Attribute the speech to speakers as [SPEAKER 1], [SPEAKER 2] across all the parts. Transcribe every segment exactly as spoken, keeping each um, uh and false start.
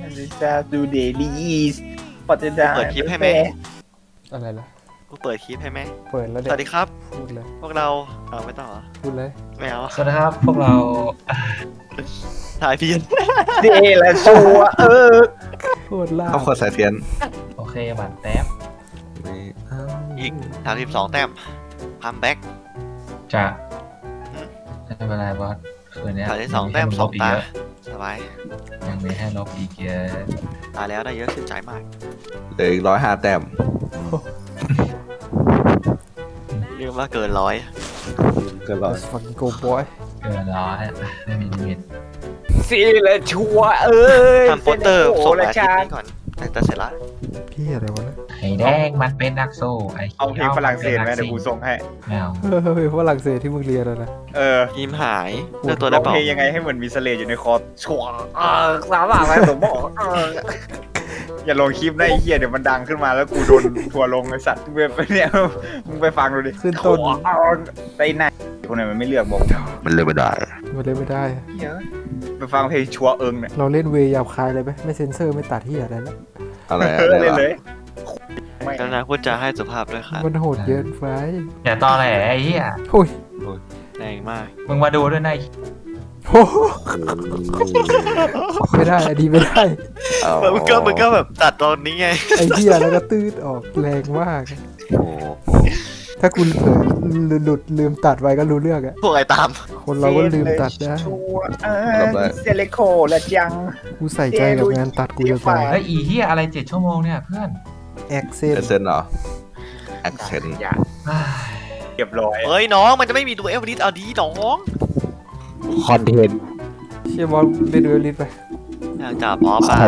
[SPEAKER 1] จะดูเดลี่ปัจจุบัน
[SPEAKER 2] เปิดคลิปให้ไหม
[SPEAKER 3] อะไรล่ะ
[SPEAKER 2] กูเปิดคลิปให้ไหม
[SPEAKER 3] เปิดแล้ว
[SPEAKER 2] ส
[SPEAKER 3] เด็ก
[SPEAKER 2] วัสดีครับ
[SPEAKER 3] พูดเลย
[SPEAKER 2] พวกเราเอาไม่ต้องเหรอ
[SPEAKER 3] พูดเลย
[SPEAKER 2] ไม่เอา
[SPEAKER 4] สวัสดีครับพวกเรา
[SPEAKER 2] ถ่ายเพี้ยน
[SPEAKER 1] เดละชัวเออ
[SPEAKER 3] พูดล่า
[SPEAKER 5] เขาคนสายเทียน
[SPEAKER 4] โอเคบัตรแท็บ
[SPEAKER 5] ไม่เอา
[SPEAKER 2] อีกสามสิบสองแต้มคัมแบ็ก
[SPEAKER 4] จะ
[SPEAKER 2] อืม
[SPEAKER 4] ไม่เป็นไรบอสคืนนี้
[SPEAKER 2] ถ่ายได้สองแต้มสองตาสบาย
[SPEAKER 4] ยังมีให้ลบอีกเยอะ
[SPEAKER 2] ตายแล้วได้เยอะขึ้นใจมาก
[SPEAKER 5] เหลืออีกร้อยห้าแต้ม
[SPEAKER 2] เรียกว่าเกินร้อย
[SPEAKER 5] ก็ร้อย
[SPEAKER 3] ฟังโกบอย
[SPEAKER 4] เกินร้อยไม่มีลิมิต
[SPEAKER 1] ซีละชัวเออ
[SPEAKER 2] ทำโปสเตอร์ส่ง
[SPEAKER 1] ละ
[SPEAKER 2] มาอาทิต
[SPEAKER 1] ชา
[SPEAKER 2] ย์นี้ก่อนแต่จะเสร็จละ
[SPEAKER 3] พี่อะไรวะเนี่ย
[SPEAKER 4] ไข่แดงมันเป็นนักสู้ไอ้
[SPEAKER 1] เอาเพลงฝรั่งเศสไหมเดี๋ยวกูส่งให้
[SPEAKER 4] แมว
[SPEAKER 3] เฮ้ยฝรั่งเศสที่มึงเรียนอะนะ
[SPEAKER 1] เออ
[SPEAKER 2] ทีมหายเลือกตัว
[SPEAKER 1] ร้
[SPEAKER 2] ได้
[SPEAKER 1] อง
[SPEAKER 2] เปล่า
[SPEAKER 1] เพลงยังไงให้เหมือนมีเสลดอยู่ในคอชัวเออสามารถอะไรผมบอกเอออย่าลงคลิปนะไอ้เหี้ยเดี๋ยวมันดังขึ้นมาแล้วกูโดนทัวร์ลงไอ้สัตว์มึงไปเนี่ยมึงไปฟังดูดิ
[SPEAKER 3] ขึ้นต้น
[SPEAKER 1] ไอ้นายคนไหนมันไม่เลือกบอก
[SPEAKER 5] มันเลยไม่ได้
[SPEAKER 3] มันเล่นไม่ได้
[SPEAKER 1] เหี้ยไปฟังเพลงชัวเอิงเนี่ย
[SPEAKER 3] เราเล่นเวย์หยาบคายเลยไหมไม่เซ็นเซอร์ไม่ตัดที่อะไรแล้ว
[SPEAKER 5] อะไร
[SPEAKER 1] เอ
[SPEAKER 5] อะ
[SPEAKER 1] อ
[SPEAKER 5] ไร
[SPEAKER 1] เล่น
[SPEAKER 5] วะ
[SPEAKER 1] เลยไม่
[SPEAKER 2] กรุณาพูดจาให้สุภาพด้วยค่ะ
[SPEAKER 3] มันโหดเกินไป
[SPEAKER 4] อย่าตอแหลไอ้เหี้ย
[SPEAKER 3] โอ้ย
[SPEAKER 2] แรงมาก
[SPEAKER 4] มึงมาดูด้วยนะ
[SPEAKER 3] โอ้โหไม่ได้อันนี้ไม่ได้
[SPEAKER 5] เอา
[SPEAKER 2] มึงก็มึงก็แบบตัดตอนนี้ไง
[SPEAKER 3] ไอ้เหี้ยแล้วก็ตืดออกแรงมาก
[SPEAKER 5] โอ้โห
[SPEAKER 3] ถ้าคุณเผลอหลุดลืมตัดไว้ก็รู้เรื่องอะ
[SPEAKER 2] พวกไอ้ตาม
[SPEAKER 3] คนเราก็ลืมตัดได้
[SPEAKER 1] ชัวเออเซเลโคและจัง
[SPEAKER 3] กูใส่ใจกับงานตัดกูจะตาย
[SPEAKER 4] เฮ้ยอีเหี้ยอะไรเจ็ดชั่วโมงเนี่ยเพื่อน
[SPEAKER 3] แอคเซน
[SPEAKER 5] เอเซนเหรอแอคเซน
[SPEAKER 1] อย่า
[SPEAKER 4] อ้าย
[SPEAKER 1] เรียบร้อย
[SPEAKER 2] เฮ้ยน้องมันจะไม่มีดูเอลลิสเอาดีน้อง
[SPEAKER 5] คอนเทนต์
[SPEAKER 3] เชียร์บอลเล่นเวลิสไป
[SPEAKER 2] อยากจับอ๋อป่ะ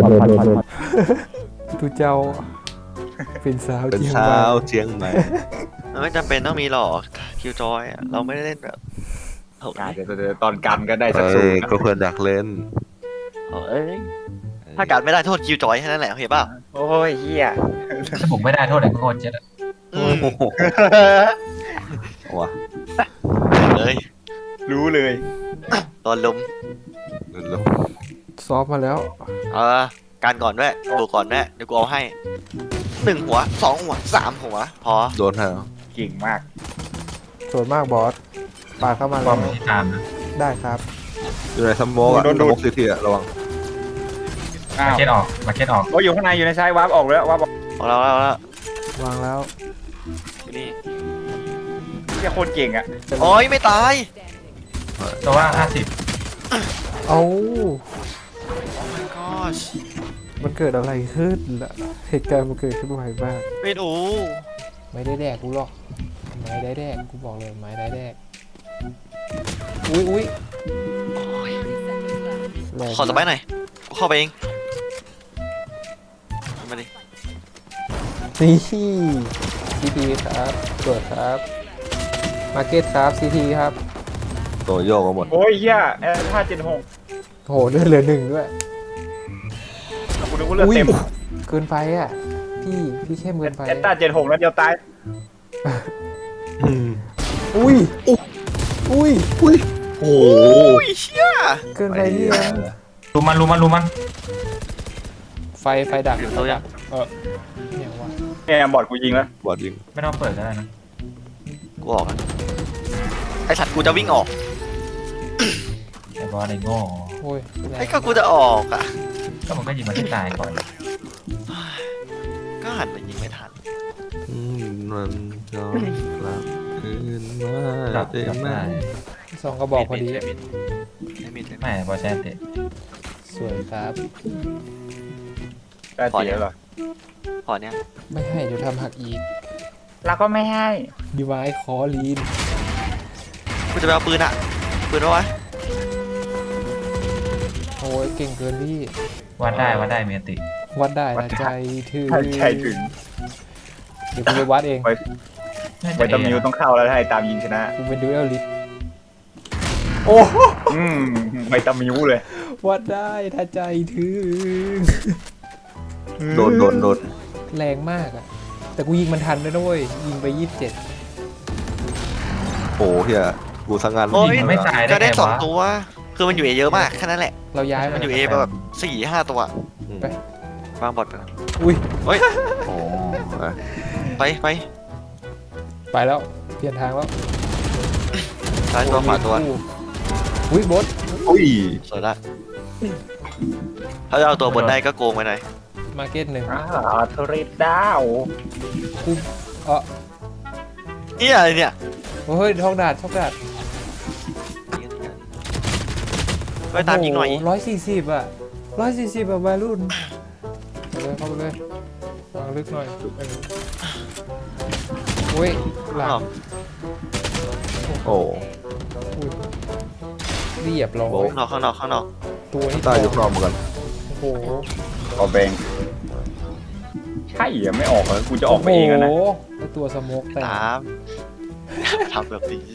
[SPEAKER 3] ตูเจ้า เป็นสาว
[SPEAKER 5] เป็น
[SPEAKER 3] เจียง
[SPEAKER 5] เช้า
[SPEAKER 3] บา
[SPEAKER 5] เจียงใหม่
[SPEAKER 2] มันไม่จำเป็นต้องมีหรอกคิวจอยอะเราไม่ได้เล่นแบบโอ้ย
[SPEAKER 1] เดี๋ยวเดี๋ยวตอนกันก็ได้สัก
[SPEAKER 5] เอ้
[SPEAKER 1] สู
[SPEAKER 5] ย
[SPEAKER 1] ง
[SPEAKER 5] ก็เพื่อนอยากเล่น
[SPEAKER 2] เอ้ยถ้าการไม่ได้โทษคิวจอยแค่นั้นแหละเห็นป่ะ
[SPEAKER 1] โอ้ยเฮีย
[SPEAKER 4] ถ้าผมไม่ได้โทษไอ้โคตรเจ็ดอะ
[SPEAKER 2] อืม
[SPEAKER 5] โอ้โหว่ะ
[SPEAKER 2] เลย
[SPEAKER 1] รู้เลย
[SPEAKER 2] ตอนลม
[SPEAKER 5] ลง
[SPEAKER 3] ซ้อมมาแล้ว
[SPEAKER 2] เออการก่อนด้วยบวกก่อนด้วยเดี๋ยวกูเอาให้หนึ่งหัวสองหัวสามหัวพอ
[SPEAKER 5] โดนฮะ
[SPEAKER 1] เก่งมาก
[SPEAKER 3] ส่วนมากบอสปาดเข้ามา
[SPEAKER 4] ค
[SPEAKER 3] แล้ว
[SPEAKER 4] าว มที่ตามนะ
[SPEAKER 3] ได้ครับ
[SPEAKER 5] อยู่ในสมองอะสมองซีทีอะระวัง
[SPEAKER 1] อ้าว
[SPEAKER 4] มาเก็ตออกมาเก็ตออก
[SPEAKER 1] โอ้ยอยู่ข้างในอยู่ในซ้ายวาร์ปออกแล้ววาร์ปออก
[SPEAKER 2] ของเราแล้วแล้ว
[SPEAKER 3] วางแล้ว
[SPEAKER 2] อยู่นี่
[SPEAKER 1] เฮียโคตรเก่งอ่ะ
[SPEAKER 2] โอ้ยไม่ตาย
[SPEAKER 4] ตัวว่าห้าสิบ
[SPEAKER 3] เอา
[SPEAKER 2] โอ้ my gosh
[SPEAKER 3] มันเกิดอะไรขึ้นล่ะเหตุการณ์มันเกิดขึ้นไวมาก
[SPEAKER 2] ไม่รู้
[SPEAKER 3] ไม่ได้แดกกูหรอกไม่ได้แดกกูบอกเลยไม่ได้แดกอุ้ยอุ้ย
[SPEAKER 2] โอ้ย
[SPEAKER 3] แรง
[SPEAKER 2] ขอสบายหน่อยกูเข้าไปเองมาดิ
[SPEAKER 3] นี่ซีทีครับตรวจครับมาร์เก็ตครับซีทีครับ
[SPEAKER 5] ตัวโยกก็หมด
[SPEAKER 1] โอ้ยเฮียแอร์ห้าเจ็ดหก
[SPEAKER 3] โหเลือดเหลือหนึ่งด้วย
[SPEAKER 1] กูนึกว่าเลือดเต็ม
[SPEAKER 3] เกินไปอ่ะ พี่พี่เข้มเกินไป
[SPEAKER 1] แอตตาเจ็ดหกแล้วเดียวตาย
[SPEAKER 5] อืม
[SPEAKER 3] อุ้ยอุ้ย
[SPEAKER 5] โอ้
[SPEAKER 2] โอ้ยเชี่ย
[SPEAKER 3] เกินไปพี่เอ็ม
[SPEAKER 4] รู้มันรู้มันรู้มัน
[SPEAKER 3] ไฟไฟดับ
[SPEAKER 2] อยู่ตัวยัง
[SPEAKER 3] เออเนี่ยวะ
[SPEAKER 1] แอร์บอดกูยิงแล้ว
[SPEAKER 5] บอดยิง
[SPEAKER 4] ไม่ต้องเปิดก็ได้นะ
[SPEAKER 2] กูออกอะไอสัตว์กูจะวิ่งออก
[SPEAKER 4] ไอ้บอสไอ้โง่
[SPEAKER 3] โอ้ยแรง
[SPEAKER 2] ไอ้ก็กูจะออกอ่ะ
[SPEAKER 4] ก็มันก็ยิงมันที่ตายก่อน
[SPEAKER 2] ก็หันไปยิงไม่ทัน
[SPEAKER 5] อืมมันย้อนกลับคืนมา
[SPEAKER 4] จับ
[SPEAKER 5] ได้
[SPEAKER 4] จับ
[SPEAKER 5] ไหม
[SPEAKER 4] ได้
[SPEAKER 3] สองกระบอกพอดี
[SPEAKER 2] ไม่มิดไม่มิดไม่มิด
[SPEAKER 4] ไม่บอสแชนเตะ
[SPEAKER 3] สวยครับ
[SPEAKER 1] ได้ตีแล้วเหรอ
[SPEAKER 2] พอเนี้ย
[SPEAKER 3] ไม่ให้เดี๋ยวทำหักอีก
[SPEAKER 1] เราก็ไม่ให้
[SPEAKER 3] ดีไวคอลีน
[SPEAKER 2] กูจะไปเอาปืนอ่ะปืนเอาไว้
[SPEAKER 3] โอ้ยเก่งเกินพี่
[SPEAKER 4] วัดได้วัดได้เมียติ
[SPEAKER 3] วัดได้นะใจถึง
[SPEAKER 1] ใช่ใช่ถึง
[SPEAKER 3] เดี๋ยวกูไปวัดเอง
[SPEAKER 1] ไวตามิวต้องเข้าแล้วถ้าไอ้ตามยิงชนะ
[SPEAKER 3] กูเป็นดูเอลลิสโอ้
[SPEAKER 1] อืมไวตามิวเลย
[SPEAKER 3] วัดได้ถ้าใจถึง
[SPEAKER 5] โดนโดนโดน
[SPEAKER 3] แรงมากอะแต่กูยิงมันทันด้วยนะเว้ยยิงไปยี่สิบเจ็ด
[SPEAKER 5] โอ้เฮียกูสังงาน
[SPEAKER 2] โอ้ย
[SPEAKER 4] มันไม่ตายได้
[SPEAKER 2] จะได้
[SPEAKER 4] ไง
[SPEAKER 2] สอง
[SPEAKER 4] วะ
[SPEAKER 2] ตัว คือมันอยู่เอเยอะมากแค่นั้นแหละ
[SPEAKER 3] เราย้าย
[SPEAKER 2] มั
[SPEAKER 3] มัน น
[SPEAKER 2] อยู่เอแบบสี่ห้าตัว
[SPEAKER 5] อืม
[SPEAKER 3] ไป
[SPEAKER 2] วางบอดไป
[SPEAKER 3] อุ้ย
[SPEAKER 2] เฮ้ย
[SPEAKER 5] โอ้ย
[SPEAKER 2] ไปไป
[SPEAKER 3] ไปแล้วเปลี่ยนทางแล้ว
[SPEAKER 2] ซ้ายตัวขวาตัว
[SPEAKER 3] อุ้ยบด
[SPEAKER 5] อุ้ย
[SPEAKER 2] สวยละถ้าจะเอาตัวบนได้ก็โกงไปหน่อย
[SPEAKER 3] มาร์เก็ตหนึ่ง
[SPEAKER 1] อ่าเทเรดดาว
[SPEAKER 3] กูเออ
[SPEAKER 2] เฮียอะไรเนี่ย
[SPEAKER 3] เฮ้ยท้องดาดท้องดาด
[SPEAKER 2] ไปตามยิงหน่อย
[SPEAKER 3] ร้อยสี่สิบอ่ะร้อยสี่สิบแบบวัยรุ่นเข้าไปเลยเข้าไปเลยวางลึกหน่อยอุ้ยหลัง
[SPEAKER 5] โอ้
[SPEAKER 3] อุ้ยเรียบร้อย
[SPEAKER 2] ข้างนอกข้างนอกข้างนอก
[SPEAKER 3] ตัวนี้
[SPEAKER 5] ตายยกนอนเหมือนกัน
[SPEAKER 3] โอ้โห
[SPEAKER 1] เอาเบงใช่เหรอไม่ออกเหรอกูจะออกไปเองอะนะ
[SPEAKER 3] โอ้โหไอตัวสโมกแต่
[SPEAKER 2] ตามทำแบบนี้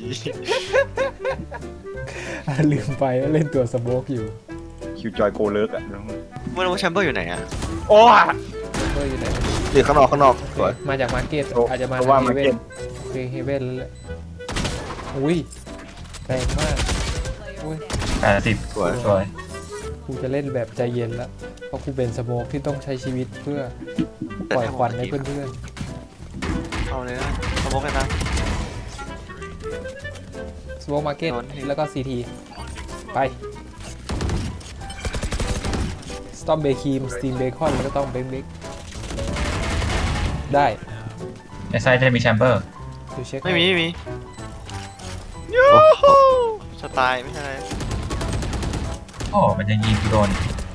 [SPEAKER 3] ลืมไปว่าเล่นตัวสโมกอยู่
[SPEAKER 1] คิวจอยโกเลิกอะ
[SPEAKER 2] ไม่รู้ว่าแชมเบอร์อยู่ไหนอะ
[SPEAKER 1] โอ้ย
[SPEAKER 3] เฮ้ยอยู่ไหน
[SPEAKER 5] นี่ข้างนอกข้างนอกสวย
[SPEAKER 3] มาจากมาร์เก็ต
[SPEAKER 1] โอ้
[SPEAKER 3] อาจจะมา
[SPEAKER 1] เพราะว่า
[SPEAKER 3] เฮเว่
[SPEAKER 1] Market
[SPEAKER 3] นโอเคเฮเว่นแล้วแหละอุ้ยแรงมากอุ้ย
[SPEAKER 4] แปดสิบ
[SPEAKER 5] สวย
[SPEAKER 4] สวย
[SPEAKER 3] กูจะเล่นแบบใจเย็นแล้วเพราะกูเป็นสโมกที่ต้องใช้ชีวิตเพื่อปล่อยควันให้เพื่อน
[SPEAKER 2] เอาเลยนะสมมติกันนะ
[SPEAKER 3] ๆสโมกมาร์เก็ต
[SPEAKER 2] โดนให้
[SPEAKER 3] แล้วก็ซีทีไปสตอมเบครีมสตีมเบคอนแล้วก็ต้องเบคเบคได้
[SPEAKER 4] ในไซต์จะมีแชมเบอร์
[SPEAKER 3] ดูเช็ค
[SPEAKER 2] ไม่มีไม่มี
[SPEAKER 5] โอ้โห
[SPEAKER 2] สไตล์ไม่ใช่อะไร
[SPEAKER 4] โอ้มันจะยิงกูโดน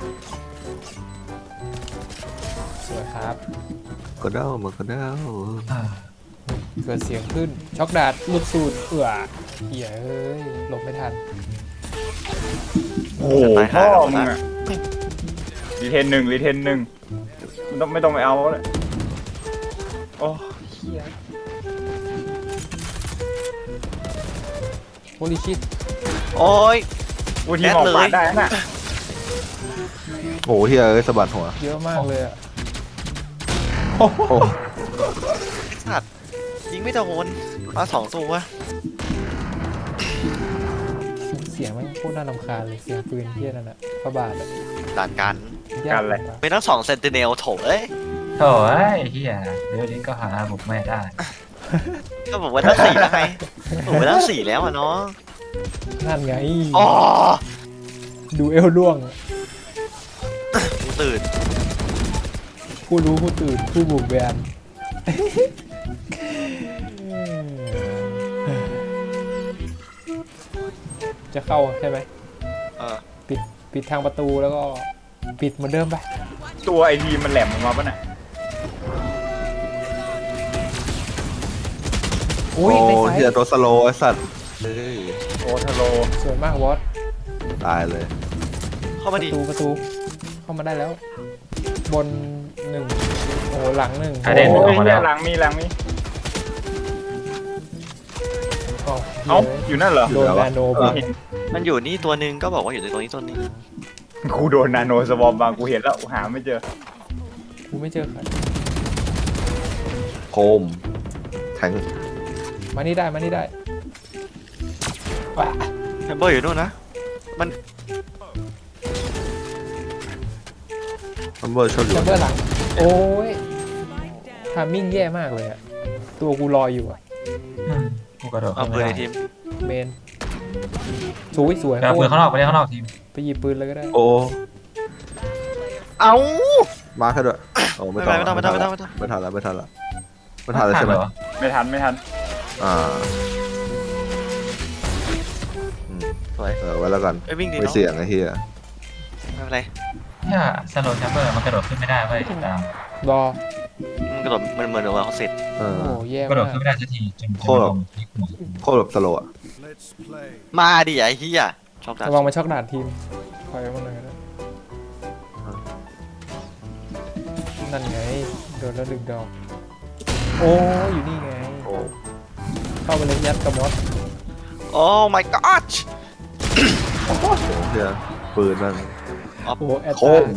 [SPEAKER 3] สวยครับ
[SPEAKER 5] กระเด้ามันกระเด้า
[SPEAKER 4] อ่า
[SPEAKER 3] เกิดเสียงขึ้นช็อกดาดหลุดสูตรเอื่อเหี้ยเอ้ยหลบไม่ทัน
[SPEAKER 1] โอ้โหพ่อมึงอะรีเทนหนึ่งรีเทนหนึ่งไม่ต้องไม่ต้องไปเอาเลยโอ้เฮีย
[SPEAKER 3] โฮลิชิต
[SPEAKER 2] โอ้ย
[SPEAKER 1] กูทีมออกปาดได้น่ะ
[SPEAKER 5] โอ้โหเฮียเอ้ยสะบัดหัว
[SPEAKER 3] เยอะมากเลยอ่ะ
[SPEAKER 5] โอ้
[SPEAKER 2] ไอ้สัตว์ยิงไม่โดนมาสองตัว
[SPEAKER 3] เสียงมันโคตรน่ารำคาญเลยเสียงปืนเที่ยนั่นอ่ะพระบาทอ่ะ
[SPEAKER 2] ด่านกัน
[SPEAKER 3] ยากเลย
[SPEAKER 2] เป็นทั้งสองเซนติเนลโถเอ้ย
[SPEAKER 4] โถ่ไอ้เฮียเดี๋ยวนี้ก็หาบุกไม่ได้
[SPEAKER 2] ก็บอกว่าทั้งสี่แล้วไงผมไปทั้งสี่แล้วอะเนาะ
[SPEAKER 3] นั่นไง
[SPEAKER 2] อ๋อ
[SPEAKER 3] ดูเอลล่วง
[SPEAKER 2] กูตื่น
[SPEAKER 3] ผู้รู้ผู้ตื่นผู้บุกแบนจะเข้าใช่ไหม
[SPEAKER 2] เออ
[SPEAKER 3] ปิดปิดทางประตูแล้วก็ปิดเหมือนเดิมไป
[SPEAKER 1] ตัวไอทีมันแหลมออกมาปะน่ะ
[SPEAKER 5] โอ้
[SPEAKER 3] อุ้ยในไซ
[SPEAKER 5] เฮีย
[SPEAKER 3] ส์
[SPEAKER 5] ตัวสโลว์ไอ้สัตว์เฮ้ย
[SPEAKER 1] โอทาโร
[SPEAKER 3] สวยมากวอต
[SPEAKER 5] ตายเลย
[SPEAKER 2] เข้า
[SPEAKER 3] ป
[SPEAKER 2] มา
[SPEAKER 3] ระ
[SPEAKER 2] ดิ
[SPEAKER 3] ตูประตูเข้ามาได้แล้ว บนหนึ่งโอ้โหหลังหนึ่ง
[SPEAKER 4] กระเด็น
[SPEAKER 1] โอ้
[SPEAKER 4] ออย กมา
[SPEAKER 1] เหี้
[SPEAKER 4] แล้
[SPEAKER 1] ยว หลังมีหลังมี
[SPEAKER 3] อ๋อ
[SPEAKER 1] เอ้าอยู่นั่นเหรอ
[SPEAKER 3] โดนนาโนไป
[SPEAKER 2] มันอยู่นี่ตัวหนึ่งก็บอกว่าอยู่ในตรงนี้ตัวหนึง
[SPEAKER 1] กูโดนนาโนสวอมบางกูเห็นแล้วหาไม่เจอ
[SPEAKER 3] กูไม่เจอใคร
[SPEAKER 5] โคมแทง
[SPEAKER 3] มานี่ได้มานี่ได้ว้า
[SPEAKER 2] แชมเบอร์อยู่นู่นนะ
[SPEAKER 5] ซัมเบอร์ชอบอยู่
[SPEAKER 3] แชมเบอร์หลัง โอ้ยทามิ่งแย่มากเลยอะตัวกูลอยอยู่อะ
[SPEAKER 4] อืมกูกระโดด
[SPEAKER 2] เอา
[SPEAKER 4] ขึ้น
[SPEAKER 2] ปืน
[SPEAKER 4] ไม่
[SPEAKER 2] ใน
[SPEAKER 4] ได้
[SPEAKER 2] ทีม
[SPEAKER 3] เมนสวยสวย
[SPEAKER 4] ไปเอาปืนข้างนอกไปเล่นข้างนอกทีม
[SPEAKER 3] ไปหยิบปืนเลยก็ได้
[SPEAKER 5] โอ้
[SPEAKER 2] เอา
[SPEAKER 5] มาแค่ด้วยโอ้
[SPEAKER 2] ไม่
[SPEAKER 5] ไม่
[SPEAKER 2] ต้
[SPEAKER 5] ต้
[SPEAKER 2] อ
[SPEAKER 5] อง ง
[SPEAKER 2] ไม่ต้องไม่ต้องไม่ต้องไม่ต้อง
[SPEAKER 5] ไม่ทันแล้วไม่ทันแล้วไม่ทันแล้วใช่ไหม
[SPEAKER 4] เหรอ
[SPEAKER 1] ไม่ทันไม่ทัน
[SPEAKER 5] อ่าอืม
[SPEAKER 2] สวย
[SPEAKER 5] เออไว้แล้วกัน
[SPEAKER 2] ไอ้ยวิ่งดี
[SPEAKER 5] ไม่
[SPEAKER 2] เนาะ
[SPEAKER 5] เสี่ยงไอ้เฮีย
[SPEAKER 2] ไม่เป็นไร
[SPEAKER 4] เนี่ยสโลว์แชมเบอร์มันกระโดดขึ้นไม่ได้เว้ยตาม
[SPEAKER 3] รอ
[SPEAKER 2] มันกระโดดมันเหมือนกับว่าเขาเสร็จ
[SPEAKER 5] เอ
[SPEAKER 3] โอ้
[SPEAKER 5] อ
[SPEAKER 3] โหแย่
[SPEAKER 4] กระโดด
[SPEAKER 3] มาก
[SPEAKER 4] ขึ้นไม่ได้สักทีจนจน
[SPEAKER 5] โคตร
[SPEAKER 4] ลงที่หัว
[SPEAKER 5] โคตรแบบสโลว์อะ
[SPEAKER 2] มาดิไอ้เหี้ยชอบดัน
[SPEAKER 3] ระวังมาช็อกดาดทีมคอยมันหน่อยก็ได้นั่นไงโดนแล้วดึงดอกโอ้อยู่นี่ไง
[SPEAKER 5] โอ้
[SPEAKER 3] เข้าไปเลยยัดกระมอส
[SPEAKER 2] โอ้ my god
[SPEAKER 5] โหเฮียปืนนั่น
[SPEAKER 3] โอ้โหแอต
[SPEAKER 5] โค
[SPEAKER 3] ตาม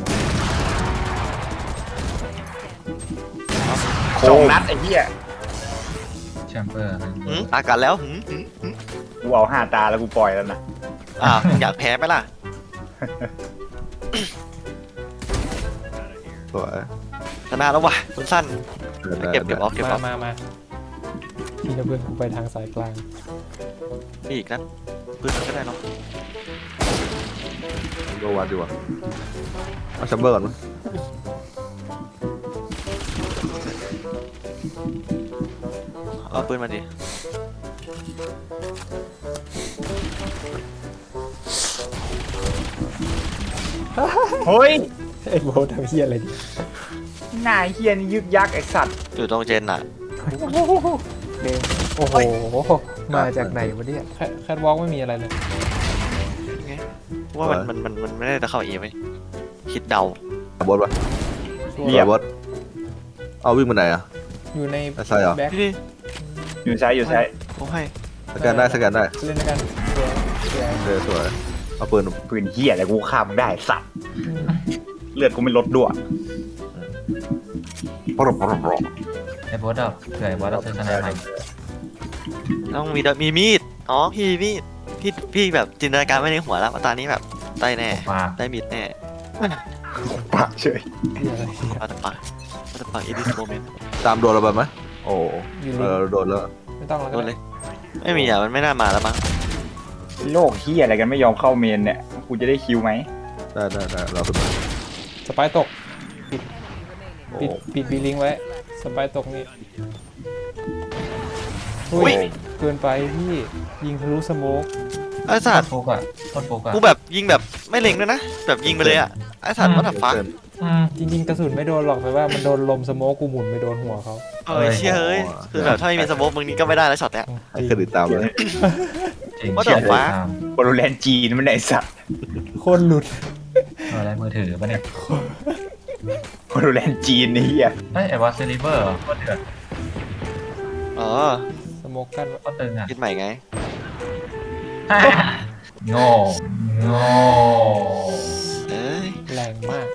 [SPEAKER 1] สองนัดไอ้เหี้ย
[SPEAKER 4] แชมเบอร์มัน
[SPEAKER 2] หืมอากันแล้วหืมหืมหืม
[SPEAKER 1] กูเอาห้าตาแล้วกูปล่อยแล้วนะ
[SPEAKER 2] อ่าวอยากแพ้ไหมล่ะ
[SPEAKER 5] สวย
[SPEAKER 2] ชนะแล้วว่ะคุณสั้น
[SPEAKER 5] ได้
[SPEAKER 2] เก็บเก็บอ
[SPEAKER 5] ได้
[SPEAKER 2] อฟเก็บอ
[SPEAKER 3] มา
[SPEAKER 2] อฟ
[SPEAKER 3] มามาทีละเพื่อนกูไปทางสายกลาง
[SPEAKER 2] นี่อีกนัดปืนมันก็ได้เนาะ
[SPEAKER 5] ก็วัดดีกว่าเอาแชมเบอร์ก่อนมั้ย
[SPEAKER 2] เอาปืนมาดิ
[SPEAKER 1] เฮ้ย
[SPEAKER 3] ไอ้โบททำเฮียอะไรดิ
[SPEAKER 1] หน้าเฮียนี่ยึกยักไอสัตว์
[SPEAKER 2] อยู่ตรงเจนน่ะ
[SPEAKER 3] เดงโอ้โห มาจากไหนวะเนี่ยแคแคทวอล์กไม่มีอะไรเลย
[SPEAKER 2] ไงว่ามันมันมันมันไม่ได้จะเข้าเอไหมคิดเดา
[SPEAKER 5] บอสปะ
[SPEAKER 3] ตัว
[SPEAKER 5] เรียบอสเอาวิ่งไปไหนอ่ะ
[SPEAKER 3] อยู่ใน
[SPEAKER 5] ใช่เหรอ
[SPEAKER 3] แบ็ค
[SPEAKER 2] พี่ดิ
[SPEAKER 1] อยู่ซ้ายอยู่ซ้าย
[SPEAKER 2] ผมให้
[SPEAKER 5] สแกนได้สแกนได้
[SPEAKER 3] เล่นด้วยกันสวยสวย
[SPEAKER 5] เออสวยเอาปืน
[SPEAKER 1] ปืนเฮียอะไรกูฆ่ามึงได้สัตว์เลือดกูไม่ลดด้วยปรบปรบปรบ
[SPEAKER 4] ไอ้โบอสดอกเผื่อไอ้โบอสดอกซื้อสไนเปอร์ใหม่
[SPEAKER 2] ต้องมีดมีมีดอ๋อพี่มีดพี่พี่แบบจินตนาการไม่ในหัวแล้วว่าตอนนี้แบบได้แน่
[SPEAKER 4] ฝาก
[SPEAKER 2] ได้มีดแน่
[SPEAKER 1] ปากเฉย
[SPEAKER 3] เหี้ยอะไรเนี่ย
[SPEAKER 2] มาตะปามาตะปาอีดิสโมเมนต์
[SPEAKER 5] ตามโดนเราไปไหมโอ้
[SPEAKER 3] อยู่
[SPEAKER 5] เอ
[SPEAKER 3] ลิง
[SPEAKER 5] อโดนแล้ว
[SPEAKER 3] ไม่ต้องแล้ว
[SPEAKER 2] โด
[SPEAKER 3] ก็
[SPEAKER 2] นเล
[SPEAKER 3] ได้
[SPEAKER 2] ยไม่มีอ่ะมันไม่น่ามาแล้วมั้ง
[SPEAKER 1] โลกเฮียอะไรกันไม่ยอมเข้าเมนเนี่ยกูจะได้คิวไหม
[SPEAKER 5] ได้ได้ได้เราขึ้นมา
[SPEAKER 3] สไปร์ตก
[SPEAKER 5] โอ้
[SPEAKER 3] ปิดปิดบีลิงไว้ สไปร์ตกนี่
[SPEAKER 2] อุ้
[SPEAKER 3] อุ้
[SPEAKER 2] ย
[SPEAKER 3] ยเกินไปพี่ยิงทะลุสโมก
[SPEAKER 2] ไอ้สั
[SPEAKER 4] โค
[SPEAKER 2] ต
[SPEAKER 4] ตร
[SPEAKER 2] ว์
[SPEAKER 4] ฟุกอ่ะโคตรฟุกอ่ะ
[SPEAKER 2] กูแบบยิงแบบไม่เล็งด้วยนะแบบยิงไปเลยอ่ะไอ้สัตว์วัตถุฟ้า
[SPEAKER 5] เกิน
[SPEAKER 4] อืม
[SPEAKER 3] จริงๆ กระสุนไม่โดนหรอกแต่ว่ามันโดนลมสโมกกูหมุนไปโดนหัวเขา
[SPEAKER 2] เออเชี่ยเอ้ยคือแบบถ้าไม่มีสโมกมึงนี้ก็ไม่ได้แล้วช็อตเนี้ย
[SPEAKER 5] ให้เครดิตตามเลย
[SPEAKER 4] จริง
[SPEAKER 2] ว่าแต่
[SPEAKER 4] เชื่อเลย
[SPEAKER 2] ฟ้า
[SPEAKER 4] ตาม
[SPEAKER 1] โปรแลนด์จีนมันไหนสัตว์
[SPEAKER 3] โคนหลุด
[SPEAKER 4] เอออะไรมือถือปะเนี่ย
[SPEAKER 1] โปรแลนด์จีนนี่เฮีย
[SPEAKER 4] เฮ้ยไอ้บอสซิลิเวอร์โคตรเดือด
[SPEAKER 2] อ๋อ
[SPEAKER 3] สโมกกันไว้
[SPEAKER 4] โคตรตึงอ่ะ
[SPEAKER 2] คิดใหม่ไง
[SPEAKER 4] โง่โง่
[SPEAKER 2] เอ้ย
[SPEAKER 3] แรงมาก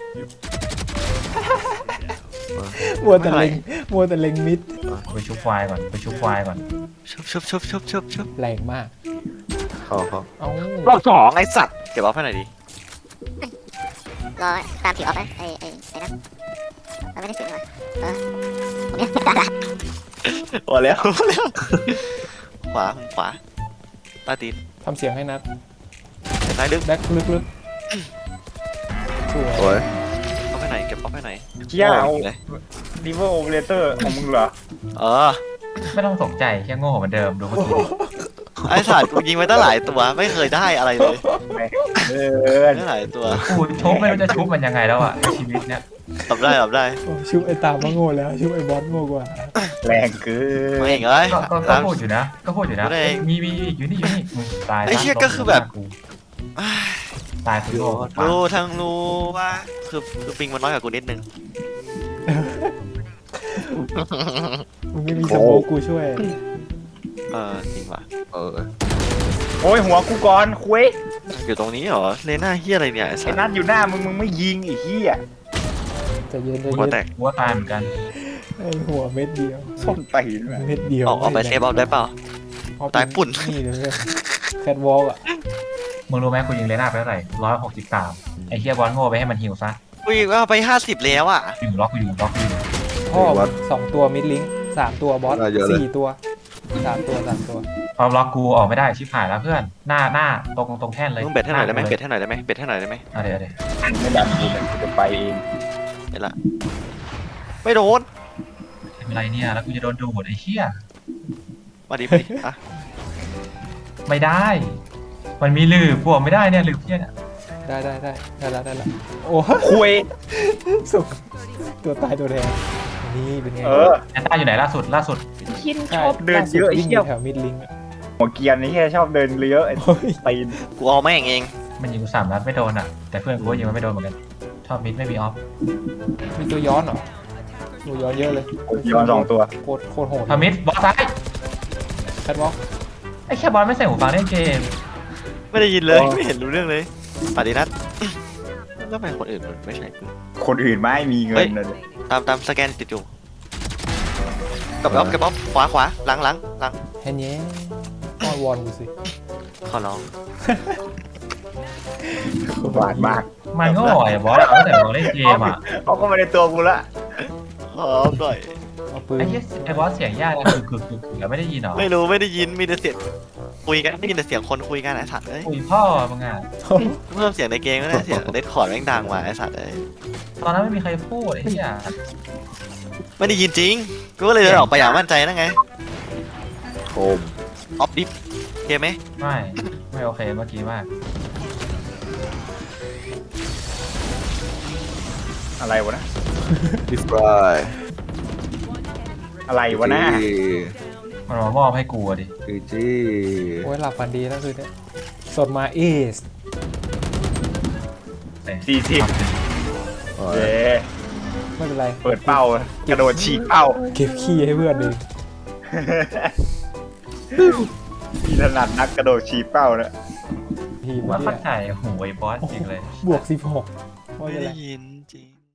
[SPEAKER 3] มัวแต่เล็งมัวแต่เล็งมิด
[SPEAKER 4] ไปชุบควายก่อนไปชุบควายก่อน
[SPEAKER 2] ชุบชุบชุบชุบชุบชุบ
[SPEAKER 3] แรงมาก
[SPEAKER 5] เขาเขา
[SPEAKER 3] เอ้าร
[SPEAKER 2] อบสองไอ้สัตว์เก็บเอาให้หน่อยดิ
[SPEAKER 6] รอตามถือออฟนะไอ้ไอ้ไอ้นั่นเราไม่ได้ถือมาเออผมเนี่ยได้ละ
[SPEAKER 2] พอแล้วพอแล้วขวาขวาใต้ตีน
[SPEAKER 3] ทำเสียงให้นัด
[SPEAKER 2] ซ้ายลึก
[SPEAKER 3] แบ็คลึกๆสวย
[SPEAKER 5] สวย
[SPEAKER 2] เอาไปไหนเก็บเอาไปไหน
[SPEAKER 1] เฮียเอา
[SPEAKER 2] เลย
[SPEAKER 1] ดิเวอร์โอเปอเรเตอร์ของมึงเหรอ
[SPEAKER 2] เออ
[SPEAKER 4] ไม่ต้องตกใจแค่โง่เหมือนเดิมดูเมื่อกี้ดิ
[SPEAKER 2] ไอ้สัตว์กูยิงไปตั้งหลายตัวไม่เคยได้อะไรเลย
[SPEAKER 1] เออ
[SPEAKER 2] ตั้งหลายตัว
[SPEAKER 4] กูชุบไม่รู้จะชุบมันยังไงแล้วอ่ะในชีวิตเนี้ย
[SPEAKER 2] ตบได้ตบได้
[SPEAKER 3] โอ้ชุบไอ้ตามมาโง่แล้วชุบไอ้บอสโง่กว่า
[SPEAKER 1] แรงเกิ
[SPEAKER 2] ไม่
[SPEAKER 1] น
[SPEAKER 2] เองเอ้ย
[SPEAKER 4] ก็ก็ก็พูดอยู่นะ ก็พูดอยู่นะ
[SPEAKER 2] พูดเอง
[SPEAKER 4] มีมีอยู่นี่อยู่นี่มึงตาย
[SPEAKER 2] ไอ้เหี้ย
[SPEAKER 4] ซะ
[SPEAKER 2] ก็คือแบบ
[SPEAKER 4] กูตายคือโง่
[SPEAKER 2] รู้ทั้งรู้ว่าคือคือปิงมันน้อยกว่ากูนิดนึง
[SPEAKER 3] มึงไม่มีสโมกกูช่วย
[SPEAKER 2] เออจริงว่ะ
[SPEAKER 5] เออ
[SPEAKER 1] โอ้ยหัวกูก่อนคุย
[SPEAKER 2] อยู่ตรงนี้เหรอเลน่าเฮียอะไรเนี่ยไอ้สั
[SPEAKER 1] ไอ้
[SPEAKER 2] ตว์
[SPEAKER 1] นัทอยู่หน้ามึงมึงไม่ยิงไอ้เหี้ย
[SPEAKER 3] จะเย็นจะ
[SPEAKER 2] หัว
[SPEAKER 3] เย็น
[SPEAKER 2] แตก
[SPEAKER 4] กูว่าตายเหมือนกัน
[SPEAKER 3] ไอ้หัวเม็ดเดียว
[SPEAKER 1] ส้นตีนแม่
[SPEAKER 3] เม็ดเดียว
[SPEAKER 2] ออกออกไปเซฟเอาได้เปล่า
[SPEAKER 3] เอไป
[SPEAKER 2] ตายปุ่น
[SPEAKER 3] นี่เลยแคทวอล์กอ่ะ
[SPEAKER 4] มึงรู้ไหมกูยิงเลน่าไปเท่าไหร่ร้อยหกสิบสามไอ้เฮียบอลโง่ไปให้มันฮิวซะ
[SPEAKER 2] กูยิงเอาไปห้าสิบแล้วอ่ะ
[SPEAKER 4] อยู่ล็อกกูอยู่ล็อกกูอยู่
[SPEAKER 3] พ่อสองตัวมิดลิงสามตัวบอสสี่ตัวสามตัวสามตัว
[SPEAKER 4] พอล็อกกูออกไม่ได้ชิบหายแล้วเพื่อนหน้าหน้าตรงตรงแท่นเลย
[SPEAKER 2] มึงเบ็ดให้หน่อยได้ไหม
[SPEAKER 4] า
[SPEAKER 2] เบ็ดให้หน่อยได้ไหมเบ็ดให้หน่อยได้ไหม
[SPEAKER 4] เอาเดี๋ยวเอาดี๋ยว
[SPEAKER 1] ไม่ดันกูเลยกูจะไปเอง
[SPEAKER 2] เห็นละไม่โดน
[SPEAKER 4] ทำอะไรเนี่ยแล้วกูจะโดนดูดไอ้เหี้ย
[SPEAKER 2] มาดิมาดิอ่ะ
[SPEAKER 4] ไม่ได้ มันมีลืบกูออกไม่ได้เนี่ยลืบเหี้ยเนี่ย
[SPEAKER 3] ได้ได้ได้ได้แล้วได้แล้วโอ้
[SPEAKER 1] คุย
[SPEAKER 3] สุกตัวตายตัวแทนนี่เป็นไง
[SPEAKER 1] เออ
[SPEAKER 4] แอนต้าอยู่ไหนล่าสุดล่าสุด
[SPEAKER 1] คินชอบเดินเยอะไอ้
[SPEAKER 3] วิ่งอ
[SPEAKER 1] เหี้ย
[SPEAKER 3] ยู่แถวมิดลิงอะ
[SPEAKER 1] หัวเกียร์นี่แค่ชอบเดินเยอะไอ้
[SPEAKER 3] โอ้ย
[SPEAKER 1] ตีน
[SPEAKER 2] กูเอาแม่งเอง
[SPEAKER 4] มันยิงกูสามนัดไม่โดนอ่ะแต่เพื่อนกูก็ยิงมันไม่โดนเหมือนกันชอบมิดไม่มีออฟ
[SPEAKER 3] มีตัวย้อนเหรอตัวย้อนเยอะเลย
[SPEAKER 1] ย้อนสองตัว
[SPEAKER 3] โคตรโคตรโหด
[SPEAKER 4] พามิดบอลซ้าย
[SPEAKER 3] แคทวอล์ก
[SPEAKER 4] ไอ้แค่บอลไม่ใส่หูฟังเล่นเกม
[SPEAKER 2] ไม่ได้ยินเลยไม่เห็นรู้เรื่องเลยปาดินัทแล้วทำไมคนอื่นมันไม่ใช่กู
[SPEAKER 1] คนอื่นไม่มีเงิ
[SPEAKER 2] เฮ้
[SPEAKER 1] น
[SPEAKER 2] ย
[SPEAKER 1] เลย
[SPEAKER 2] ตามตามสแกนติดอยู่กับบ๊อบกับบ๊อบขวาขวาหลังหลังหลัง
[SPEAKER 3] แฮนเย่อ้อนวอนกูสิ
[SPEAKER 2] ขอร้อง
[SPEAKER 1] หวานมาก
[SPEAKER 4] มันก็อ่อยบอสตั้งแต่เราเล่นเกมอ่ะ
[SPEAKER 1] เขาก็ไม่ได้ตัวกูละ
[SPEAKER 2] ขอหน่อย
[SPEAKER 3] เอาปืน
[SPEAKER 4] ไอ้เหี้ยไอ้บอสเสียงยากนะคือคือคือคือไม่ได้ยินหรอ
[SPEAKER 2] ไม่รู้ไม่ได้ยินมีแต่เสียงคุยกันได้ยินแต่เสียงคนคุยกันไอ้สัตว์เอ้ย
[SPEAKER 4] คุยพ่อมึงอ่ะ
[SPEAKER 2] เพิ่มเสียงในเกมก็ได้เสียงเดคคอร์ดแม่งดังมาไอ้สัตว์เอ้ย
[SPEAKER 4] ตอนนั้นไม่มีใครพูดไอ้เหี้ย
[SPEAKER 2] ไม่ได้ยินจริงกูก็เลยเดินออกไปอย่างมั่นใจนั่นไง
[SPEAKER 5] โคม
[SPEAKER 2] ออฟดิฟเกมไหม
[SPEAKER 4] ไม่ไม่โอเคเมื่อกี้มาก
[SPEAKER 1] อะไรวะนะ
[SPEAKER 5] ดิฟราย
[SPEAKER 1] อะไรวะนะ
[SPEAKER 4] มันมามอบให้กูอะดิ
[SPEAKER 5] จีจี
[SPEAKER 3] โอ้ยหลับฝันดีแล้วคือเนี่ยสดมาเอส
[SPEAKER 1] สี่สิบ
[SPEAKER 5] โอ้
[SPEAKER 1] เย้
[SPEAKER 5] ย
[SPEAKER 3] ไม่เป็นไร
[SPEAKER 1] เปิดเป้ากระโดดฉีกเป้า
[SPEAKER 3] เก็บขี้ให้เพื่อนเอง
[SPEAKER 1] พี่ถนัดนักกระโดดฉีกเป้านะ
[SPEAKER 3] ทีม
[SPEAKER 4] ว่า
[SPEAKER 3] เนี่
[SPEAKER 4] เข้าย ใจโหไอ้บอสจริงเลย
[SPEAKER 3] บวกสิบหกไม่
[SPEAKER 2] ไม่
[SPEAKER 3] เป็นไร
[SPEAKER 2] ได้ยินจริง